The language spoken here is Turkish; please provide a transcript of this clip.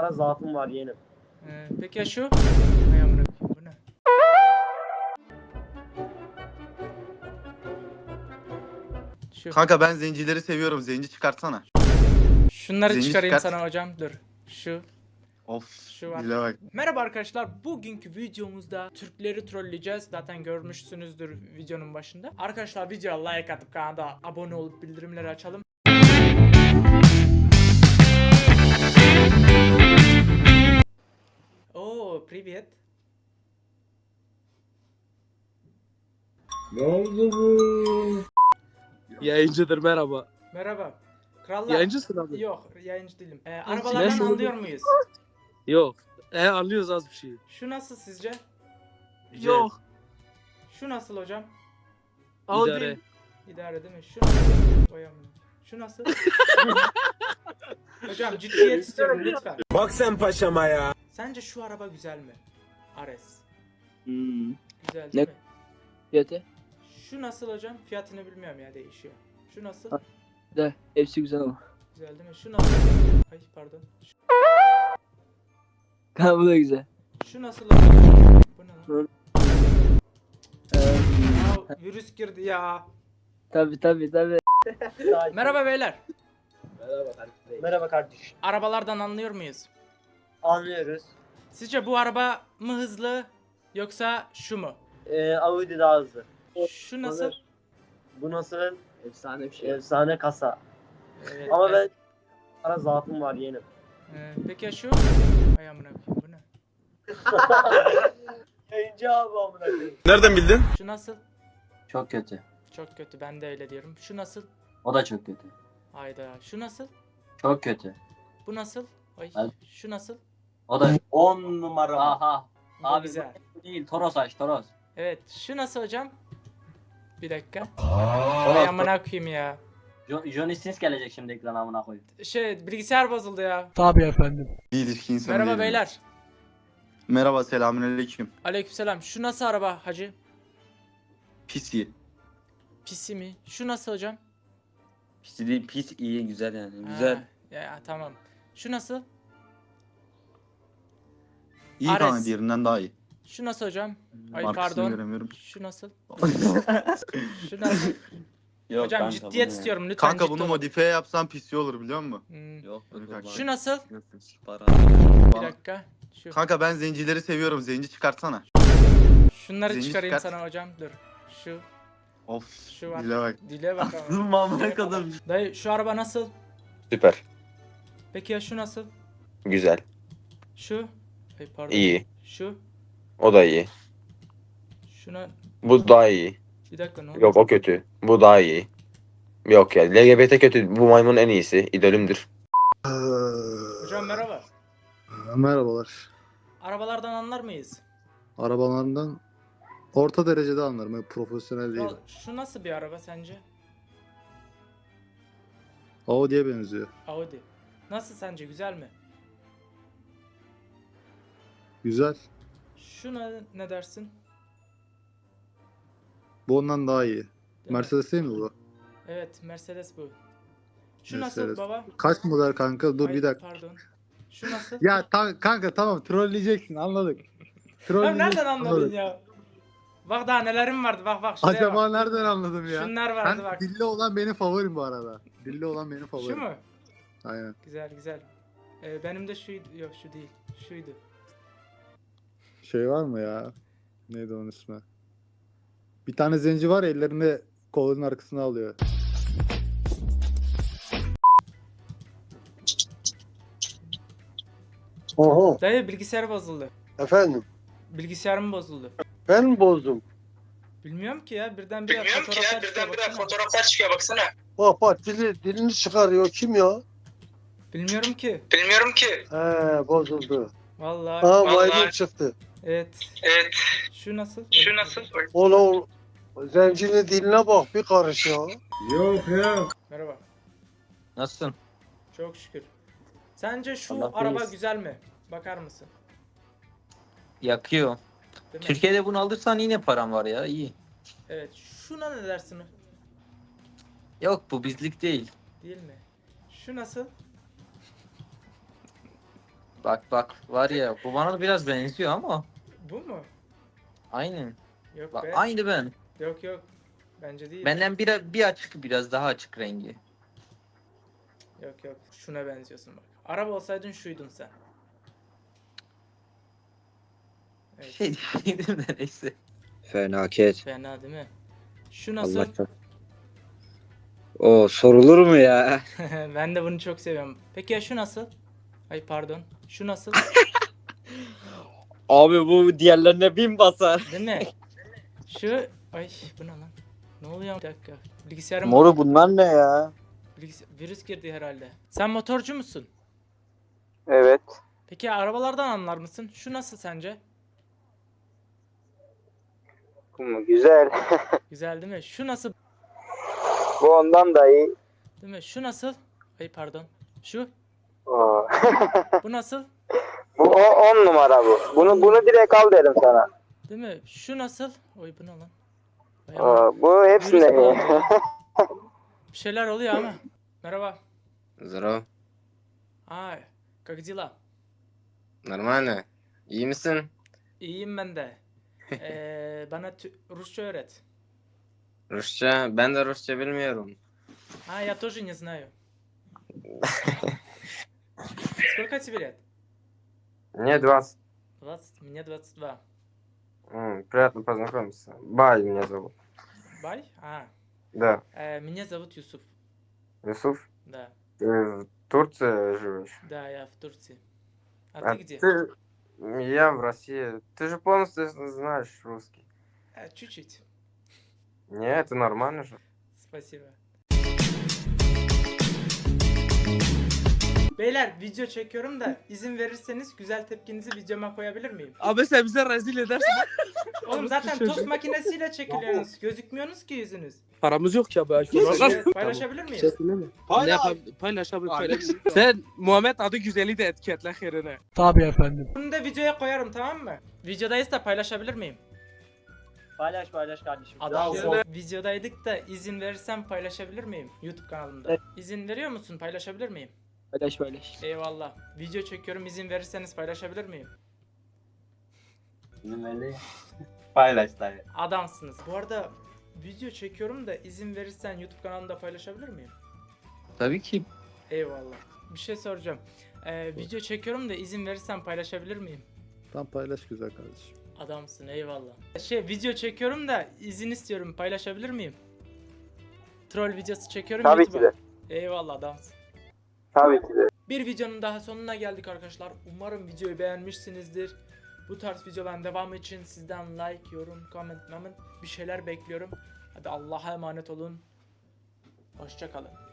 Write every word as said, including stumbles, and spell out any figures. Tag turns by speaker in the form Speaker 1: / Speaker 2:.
Speaker 1: Ara zaafım var yeğenim.
Speaker 2: Ee, peki ya şu? Hay amına koyayım, bu ne? Şu.
Speaker 3: Kanka ben zencileri seviyorum. Zenci çıkartsana.
Speaker 2: Şunları
Speaker 3: Zenci
Speaker 2: çıkarayım
Speaker 3: çıkart.
Speaker 2: sana hocam. Dur. Şu.
Speaker 3: Of.
Speaker 2: Şu var.
Speaker 3: Dile bak.
Speaker 2: Merhaba arkadaşlar. Bugünkü videomuzda Türkleri trolleyeceğiz. Zaten görmüşsünüzdür videonun başında. Arkadaşlar videoya like atıp kanala abone olup bildirimleri açalım. Oo, привет.
Speaker 4: Ne oldu bu?
Speaker 5: Yayıncıdır merhaba.
Speaker 2: Merhaba. Krallar.
Speaker 5: Yayıncısın abi.
Speaker 2: Yok, yayıncı değilim. Ee, arabalardan
Speaker 5: Nasıl?
Speaker 2: anlıyor muyuz?
Speaker 5: Yok. E anlıyoruz az bir şey.
Speaker 2: Şu nasıl sizce?
Speaker 3: Güzel.
Speaker 5: Yok.
Speaker 2: Şu nasıl hocam?
Speaker 5: İdare.
Speaker 2: İdare değil mi? Şu nasıl? Oy amına. Şu nasıl? Hocam ciddiyet istiyorum lütfen.
Speaker 4: Bak sen paşama ya.
Speaker 2: Sence şu araba güzel mi? Ares.
Speaker 5: Hmm.
Speaker 2: Güzel
Speaker 5: Ne-
Speaker 2: değil mi?
Speaker 5: Fiyatı?
Speaker 2: Şu nasıl hocam? Fiyatını bilmiyorum ya, değişiyor. Şu nasıl?
Speaker 5: Ha. De hepsi güzel ama.
Speaker 2: Güzel değil mi? Şu nasıl? Ay pardon. Şu,
Speaker 5: Ha bu da güzel.
Speaker 2: şu nasıl hocam? Bu ne lan?
Speaker 5: Ee,
Speaker 2: Ya virüs girdi ya.
Speaker 5: tabi tabi tabi.
Speaker 2: Merhaba beyler.
Speaker 1: Merhaba kardeşim. Merhaba kardeşim.
Speaker 2: Arabalardan anlıyor muyuz?
Speaker 1: Anlıyoruz.
Speaker 2: Sizce bu araba mı hızlı yoksa şu mu?
Speaker 1: Ee, Audi daha hızlı.
Speaker 2: Şu nasıl?
Speaker 1: Bu nasıl?
Speaker 5: Efsane bir şey.
Speaker 1: Efsane kasa.
Speaker 2: Evet,
Speaker 1: Ama
Speaker 2: evet.
Speaker 1: ben ara zaafım var yeğenim.
Speaker 2: Ee, peki ya şu? Ay amına koyayım, bu ne?
Speaker 1: Yayıncı abi amına koyayım.
Speaker 4: Nereden bildin?
Speaker 2: Şu nasıl?
Speaker 6: Çok kötü.
Speaker 2: Çok kötü, ben de öyle diyorum. Şu nasıl?
Speaker 6: O da çok kötü.
Speaker 2: Hayda. Şu nasıl?
Speaker 6: Çok kötü.
Speaker 2: Bu nasıl? Ay.
Speaker 6: Hadi.
Speaker 2: Şu nasıl?
Speaker 6: O da on numara. Aha.
Speaker 2: Bu
Speaker 6: Abi
Speaker 2: güzel.
Speaker 6: bu değil. Toros aç Toros.
Speaker 2: Evet. Şu nasıl hocam? Bir dakika.
Speaker 6: Toros.
Speaker 2: Ay amına koyayım ya.
Speaker 6: Jo Johnny Sins gelecek şimdi ekrana amına koyayım.
Speaker 2: Şey, bilgisayar bozuldu ya.
Speaker 3: Bir ilişki insanı
Speaker 2: Merhaba
Speaker 3: değilim.
Speaker 2: beyler.
Speaker 3: Merhaba selamünaleyküm.
Speaker 2: Aleykümselam. Şu nasıl araba hacı?
Speaker 3: Pis iyi.
Speaker 2: Pisi mi? Şu nasıl hocam?
Speaker 7: Pis değil, pis iyi, güzel yani.
Speaker 2: Ha,
Speaker 7: Güzel.
Speaker 2: ya tamam. Şu nasıl?
Speaker 3: İyi
Speaker 2: Ares.
Speaker 3: kanka diğerinden daha iyi.
Speaker 2: Şu nasıl hocam? Ay
Speaker 3: Markasını
Speaker 2: pardon.
Speaker 3: göremiyorum.
Speaker 2: Şu nasıl? Şu nasıl?
Speaker 7: Yok
Speaker 2: Hocam
Speaker 7: kanka,
Speaker 2: ciddiyet
Speaker 7: bunu ya.
Speaker 2: istiyorum lütfen.
Speaker 3: Kanka
Speaker 2: ciddi
Speaker 3: bunu
Speaker 2: olun.
Speaker 3: modifiye yapsan pis iyi olur biliyor musun?
Speaker 2: Hmm,
Speaker 7: Yok,
Speaker 3: Öyle
Speaker 7: yok,
Speaker 3: kanka.
Speaker 7: yok.
Speaker 2: Şu nasıl?
Speaker 7: Para.
Speaker 2: Bir
Speaker 3: Bana-
Speaker 2: dakika. Şu.
Speaker 3: Kanka ben zencileri seviyorum. Zenci çıkartsana.
Speaker 2: Şunları
Speaker 3: Zenci
Speaker 2: çıkarayım
Speaker 3: çıkart.
Speaker 2: sana hocam. Dur. Şu.
Speaker 3: Of.
Speaker 2: Şu var.
Speaker 3: Dile bak.
Speaker 2: Dile bak ama.
Speaker 7: Mamına kadar.
Speaker 2: Dayı şu araba nasıl?
Speaker 8: Süper.
Speaker 2: Peki ya şu nasıl?
Speaker 8: Güzel.
Speaker 2: Şu. Ay pardon.
Speaker 8: İyi.
Speaker 2: Şu.
Speaker 8: O da iyi.
Speaker 2: Şuna.
Speaker 8: Bu daha iyi.
Speaker 2: Bir dakika ne oldu?
Speaker 8: Yok o kötü. Bu daha iyi. Yok ya. L G B T kötü. Bu maymun en iyisi. İdolümdür.
Speaker 2: Hocam merhaba.
Speaker 9: Merhabalar.
Speaker 2: Arabalardan anlar mıyız?
Speaker 9: Arabalarından orta derecede anlarım. Öyle profesyonel değil.
Speaker 2: Şu, şu nasıl bir araba sence?
Speaker 9: Audi'ye benziyor.
Speaker 2: Audi. Nasıl sence, güzel mi?
Speaker 9: Güzel.
Speaker 2: Şuna ne dersin?
Speaker 9: Bu ondan daha iyi.
Speaker 2: Değil mi?
Speaker 9: Mercedes değil mi bu?
Speaker 2: Evet, Mercedes bu. Şu
Speaker 9: Mercedes.
Speaker 2: nasıl baba?
Speaker 9: Kaç model kanka? Dur
Speaker 2: Ay,
Speaker 9: bir dakika.
Speaker 2: Pardon. Şu nasıl?
Speaker 9: Ya ta- kanka tamam trolleyeceksin anladık.
Speaker 2: Ya
Speaker 9: Trolleyeceksin,
Speaker 2: nereden anladın
Speaker 9: anladık.
Speaker 2: ya? Bak daha nelerim vardı, bak bak şuraya
Speaker 9: Acaba
Speaker 2: bak.
Speaker 9: nereden anladım ya?
Speaker 2: Şunlar vardı
Speaker 9: Ben,
Speaker 2: bak.
Speaker 9: dilli olan benim favorim bu arada. Dilli olan benim favorim.
Speaker 2: Şu mu?
Speaker 9: Aynen.
Speaker 2: Güzel güzel. Ee, benim de şuydu, yok şu değil. Şuydu.
Speaker 9: Şey var mı ya? Neydi onun ismi? Bir tane zenci var ellerinde kolunun arkasına alıyor.
Speaker 10: Oho,
Speaker 2: Dayı bilgisayar bozuldu.
Speaker 10: efendim.
Speaker 2: Bilgisayarım bozuldu.
Speaker 10: Ben mi bozdum?
Speaker 2: Bilmiyorum ki ya, birden bir fotoğraflar çıkıyor baksana.
Speaker 10: Fotoğraflar çıkıyor baksana. Bak bak dili, dilini çıkarıyor. Kim ya?
Speaker 2: Bilmiyorum ki.
Speaker 10: He
Speaker 2: Vallahi.
Speaker 10: bozuldu. Ha maymun çıktı.
Speaker 2: Evet. Evet. Şu nasıl? Şu nasıl?
Speaker 10: Oğlum zencinin diline bak bir karış ya.
Speaker 4: Yok yok.
Speaker 2: Merhaba.
Speaker 7: Nasılsın?
Speaker 2: Çok şükür. Sence şu
Speaker 7: Allah
Speaker 2: araba
Speaker 7: iyiyiz.
Speaker 2: güzel mi? Bakar mısın?
Speaker 7: Yakıyor.
Speaker 2: Değil mi?
Speaker 7: Türkiye'de bunu alırsan yine param var ya. İyi.
Speaker 2: Evet. Şuna ne dersin?
Speaker 7: Yok bu bizlik değil.
Speaker 2: Değil mi? Şu nasıl?
Speaker 7: Bak bak var ya bu bana da biraz benziyor ama.
Speaker 2: Bu mu?
Speaker 7: Aynen.
Speaker 2: Yok
Speaker 7: Bak
Speaker 2: be.
Speaker 7: aynı ben.
Speaker 2: Yok yok. Bence değil.
Speaker 7: Benden bir, bir açık biraz daha açık rengi.
Speaker 2: Yok yok. Şuna benziyorsun bak. Araba olsaydın şuydun sen. Evet.
Speaker 7: Şey diyeydim de neyse.
Speaker 11: Fenaket.
Speaker 2: Fena değil mi? Şu nasıl?
Speaker 11: Allah çok. O sorulur mu ya?
Speaker 2: Ben de bunu çok seviyorum. Peki ya şu nasıl? Ay pardon. Şu nasıl?
Speaker 11: Abi bu diğerlerine bin basar.
Speaker 2: Değil mi? Şu... Ay bu ne lan? Ne oluyor? Bir dakika. Bilgisayarım...
Speaker 11: Moru bunlar ne ya?
Speaker 2: Bilgis- Virüs girdi herhalde. Sen motorcu musun?
Speaker 11: Evet.
Speaker 2: Peki ya arabalardan anlar mısın? Şu nasıl sence?
Speaker 11: Güzel.
Speaker 2: Güzel değil mi? Şu nasıl?
Speaker 11: Bu ondan da iyi.
Speaker 2: Değil mi? Şu nasıl? Ay pardon. Şu?
Speaker 11: Oo.
Speaker 2: Bu nasıl?
Speaker 11: Bu on numara bu. Bunu bunu direkt al derim sana.
Speaker 2: Değil mi? Şu nasıl? Oy bu ne lan? Ay aman.
Speaker 11: Bu
Speaker 2: Virüs bağlandı ya. Bir şeyler oluyor ama. Merhaba.
Speaker 11: Здорово.
Speaker 2: Ay. Как дела?
Speaker 11: Nормально. İyi misin?
Speaker 2: İyiyim ben de. Ee, bana tü- Rusça öğret.
Speaker 11: Rusça. Ben de Rusça bilmiyorum.
Speaker 2: А, я тоже не знаю. Сколько тебе лет?
Speaker 11: Мне двадцать.
Speaker 2: двадцать, мне двадцать два.
Speaker 11: Приятно познакомиться. Бай меня зовут.
Speaker 2: Бай? А,
Speaker 11: Да.
Speaker 2: э, меня зовут Юсуф.
Speaker 11: Юсуф.
Speaker 2: Да,
Speaker 11: Ты в Турции живешь?
Speaker 2: да, я в Турции. А, ты где?
Speaker 11: Ты... Я в России. Ты же полностью знаешь русский.
Speaker 2: А, чуть-чуть.
Speaker 11: Не, это нормально же.
Speaker 2: Спасибо. Beyler video çekiyorum da izin verirseniz güzel tepkinizi videoma koyabilir miyim?
Speaker 4: Abi sen bize rezil edersin.
Speaker 2: Oğlum zaten tost makinesiyle çekiliyorsunuz. Gözükmüyorsunuz ki yüzünüz.
Speaker 4: Paramız yok ya be.
Speaker 2: Paylaşabilir miyim?
Speaker 4: Ne yap- paylaş abi paylaş. Sen Muhammed adı güzeli de etiketle herine. Tabii efendim.
Speaker 2: Bunu da videoya koyarım tamam mı? Videodayız da paylaşabilir miyim?
Speaker 1: Paylaş paylaş kardeşim.
Speaker 2: Adam
Speaker 1: Güzel oldu.
Speaker 2: videodaydık da izin verirsem paylaşabilir miyim? YouTube kanalımda.
Speaker 5: Evet.
Speaker 2: İzin veriyor musun? Paylaşabilir miyim?
Speaker 5: Paylaş paylaş.
Speaker 2: Eyvallah. Video çekiyorum izin verirseniz paylaşabilir miyim?
Speaker 6: Bilmeli. Paylaş dayı.
Speaker 2: Adamsınız. Bu arada video çekiyorum da izin verirsen YouTube kanalımda paylaşabilir miyim?
Speaker 7: Tabii ki.
Speaker 2: Eyvallah. Bir şey soracağım. Ee, video çekiyorum da izin verirsen paylaşabilir miyim?
Speaker 9: Tam paylaş güzel kardeşim.
Speaker 2: Adamsın eyvallah. Şey video çekiyorum da izin istiyorum paylaşabilir miyim? Troll videosu çekiyorum
Speaker 11: Tabii
Speaker 2: YouTube'a.
Speaker 11: ki
Speaker 2: Eyvallah adamsın.
Speaker 11: Tabii ki de.
Speaker 2: Bir videonun daha sonuna geldik arkadaşlar. Umarım videoyu beğenmişsinizdir. Bu tarz videoların devamı için sizden like, yorum, comment, comment bir şeyler bekliyorum. Hadi Allah'a emanet olun. Hoşça kalın.